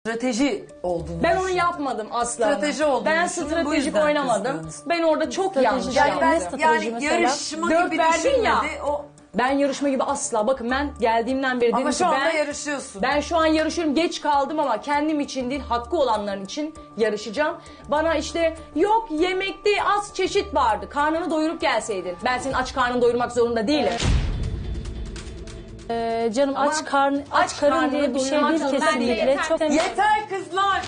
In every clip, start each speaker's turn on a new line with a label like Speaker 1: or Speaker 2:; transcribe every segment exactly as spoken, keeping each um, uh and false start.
Speaker 1: Strateji olduğunu
Speaker 2: Ben onu
Speaker 1: düşünüyorum.
Speaker 2: yapmadım asla.
Speaker 1: Strateji olduğunu
Speaker 2: Ben
Speaker 1: düşünüyorum, bu
Speaker 2: stratejik
Speaker 1: yüzden
Speaker 2: oynamadım.
Speaker 1: kızdınız.
Speaker 2: Ben orada çok
Speaker 3: Strateji
Speaker 2: yanlış
Speaker 3: yani
Speaker 1: Yani
Speaker 2: yaptım.
Speaker 1: ben
Speaker 3: strateji
Speaker 1: yani
Speaker 3: mesela?
Speaker 1: yarışma
Speaker 2: Dört
Speaker 1: gibi
Speaker 2: verdin ya.
Speaker 1: düşünmedi. O,
Speaker 2: Ben yarışma gibi asla. Bakın ben geldiğimden beri dedim
Speaker 1: ama
Speaker 2: ki
Speaker 1: şu anda
Speaker 2: ben,
Speaker 1: yarışıyorsun.
Speaker 2: ben şu an yarışıyorum. Geç kaldım ama kendim için değil, hakkı olanların için yarışacağım. Bana işte yok yemekte az çeşit vardı. Karnını doyurup gelseydin. Ben senin aç karnını doyurmak zorunda değilim.
Speaker 3: Ee, canım
Speaker 2: Ama
Speaker 3: aç karn aç,
Speaker 2: aç
Speaker 3: karın
Speaker 2: karnını
Speaker 3: diye bir şey
Speaker 2: doyurmak
Speaker 3: değil
Speaker 2: zorunda
Speaker 3: kesinlikle.
Speaker 2: değil.
Speaker 3: Çok
Speaker 1: Yeter kızlar.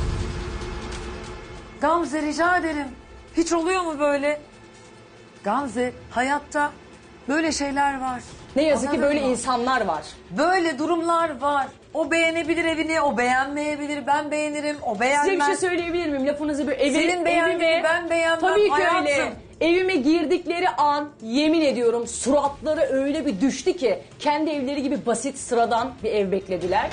Speaker 1: Gamze rica ederim. Hiç oluyor mu böyle? Gamze hayatta böyle şeyler var.
Speaker 2: Ne yazık ki
Speaker 1: Anladın
Speaker 2: böyle
Speaker 1: mı?
Speaker 2: insanlar var.
Speaker 1: Böyle durumlar var. O beğenebilir evini, o beğenmeyebilir. Ben beğenirim, o beğenmez.
Speaker 2: Size bir şey söyleyebilir miyim? Lafınızı bir evi,
Speaker 1: Senin beğendiğini
Speaker 2: evime-
Speaker 1: ben beğenmem
Speaker 2: Tabii ki
Speaker 1: hayatım.
Speaker 2: öyle. Evime girdikleri an yemin ediyorum suratları öyle bir düştü ki kendi evleri gibi basit sıradan bir ev beklediler.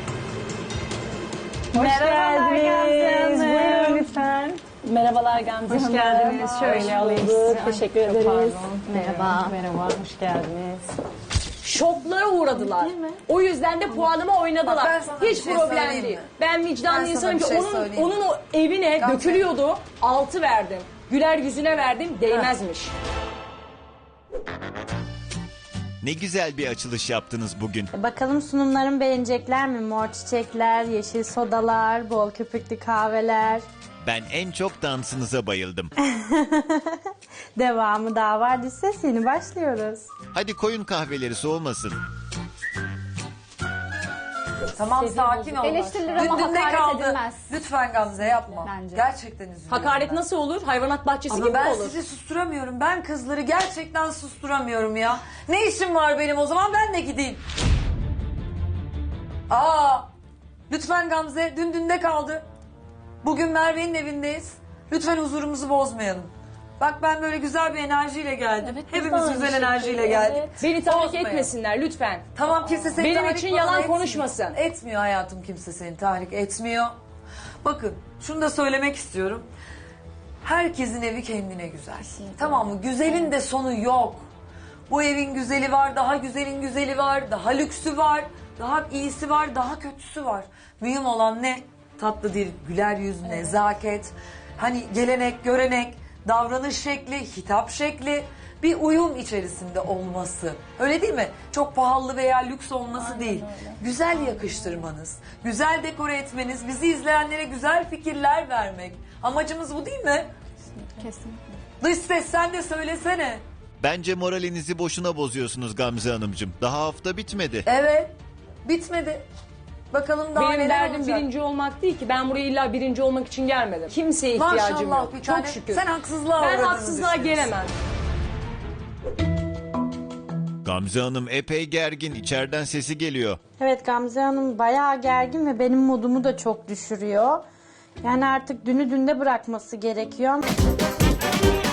Speaker 3: Merhabalar
Speaker 2: geldiniz.
Speaker 3: Gamze
Speaker 2: Buyurun
Speaker 3: Hanım.
Speaker 2: lütfen.
Speaker 3: Merhabalar Gamze Hanım.
Speaker 2: Hoş geldiniz. Şöyle alayım sizi.
Speaker 3: Teşekkür ederiz.
Speaker 4: Merhaba. Merhaba, hoş geldiniz.
Speaker 2: Şoklara uğradılar. O yüzden de puanıma oynadılar.
Speaker 1: Bak ben sana bir
Speaker 2: Hiç
Speaker 1: şey
Speaker 2: problem
Speaker 1: söyleyeyim
Speaker 2: değil.
Speaker 1: mi?
Speaker 2: Ben vicdanlı
Speaker 1: Ben sana
Speaker 2: insanım
Speaker 1: bir
Speaker 2: ki
Speaker 1: şey
Speaker 2: onun,
Speaker 1: söyleyeyim.
Speaker 2: onun o evine
Speaker 1: Gamze.
Speaker 2: dökülüyordu. Altı verdim. Güler yüzüne verdim. Değmezmiş.
Speaker 5: Ne güzel bir açılış yaptınız bugün.
Speaker 4: Bakalım sunumlarımı beğenecekler mi? Mor çiçekler, yeşil sodalar, bol köpüklü kahveler.
Speaker 5: Ben en çok dansınıza bayıldım.
Speaker 4: Devamı daha var. Düz ses yeni başlıyoruz.
Speaker 5: Hadi koyun kahveleri soğumasın.
Speaker 1: Tamam sakin ol.
Speaker 6: Eleştirilir ama
Speaker 1: Dün- dün ne
Speaker 6: hakaret
Speaker 1: kaldı?
Speaker 6: edilmez.
Speaker 1: Lütfen Gamze yapma.
Speaker 6: Bence.
Speaker 1: Gerçekten üzülüyorum.
Speaker 2: Hakaret
Speaker 1: ben.
Speaker 2: nasıl olur? Hayvanat bahçesi
Speaker 1: Ama
Speaker 2: gibi
Speaker 1: ben
Speaker 2: olur.
Speaker 1: sizi susturamıyorum. Ben kızları gerçekten susturamıyorum ya. Ne işim var benim o zaman ben de gideyim. Aa, lütfen Gamze dün dünde kaldı. Bugün Merve'nin evindeyiz. Lütfen huzurumuzu bozmayalım. Bak ben böyle güzel bir enerjiyle geldim.
Speaker 3: Evet, biz de
Speaker 1: Hepimiz
Speaker 3: aynı
Speaker 1: güzel
Speaker 3: şekilde,
Speaker 1: enerjiyle geldik.
Speaker 3: evet.
Speaker 2: Beni tahrik
Speaker 1: Bozmayalım.
Speaker 2: etmesinler lütfen.
Speaker 1: Tamam kimse seni
Speaker 2: Benim
Speaker 1: tahrik
Speaker 2: için
Speaker 1: falan
Speaker 2: yalan
Speaker 1: etmiyor.
Speaker 2: konuşmasın.
Speaker 1: Etmiyor hayatım kimse seni tahrik etmiyor. Bakın şunu da söylemek istiyorum. Herkesin evi kendine güzel. Tamam mı? Güzelin de sonu yok. Bu evin güzeli var, daha güzelin güzeli var, daha lüksü var, daha iyisi var, daha kötüsü var. Mühim olan ne? Tatlı dil, güler yüz, nezaket, hani gelenek, görenek, davranış şekli, hitap şekli, bir uyum içerisinde olması. Öyle değil mi? Çok pahalı veya lüks olması değil. Güzel yakıştırmanız, güzel dekore etmeniz, bizi izleyenlere güzel fikirler vermek. Amacımız bu değil mi?
Speaker 6: Kesinlikle.
Speaker 1: Dış ses sen de söylesene.
Speaker 5: Bence moralinizi boşuna bozuyorsunuz Gamze Hanımcığım. Daha hafta bitmedi.
Speaker 1: Evet. Bitmedi. Bakalım daha
Speaker 2: Benim
Speaker 1: neler
Speaker 2: derdim
Speaker 1: olacak.
Speaker 2: birinci olmak değil ki. Ben buraya illa birinci olmak için gelmedim. Kimseye ihtiyacım
Speaker 1: Maşallah
Speaker 2: yok.
Speaker 1: bir
Speaker 2: Çok
Speaker 1: tane.
Speaker 2: şükür.
Speaker 1: Sen haksızlığa
Speaker 2: ben
Speaker 1: uğradığını
Speaker 2: haksızlığa
Speaker 1: düşünüyorsun.
Speaker 2: gelemem.
Speaker 5: Gamze Hanım epey gergin. İçeriden sesi geliyor.
Speaker 4: Evet Gamze Hanım bayağı gergin ve benim modumu da çok düşürüyor. Yani artık dünü dünde bırakması gerekiyor.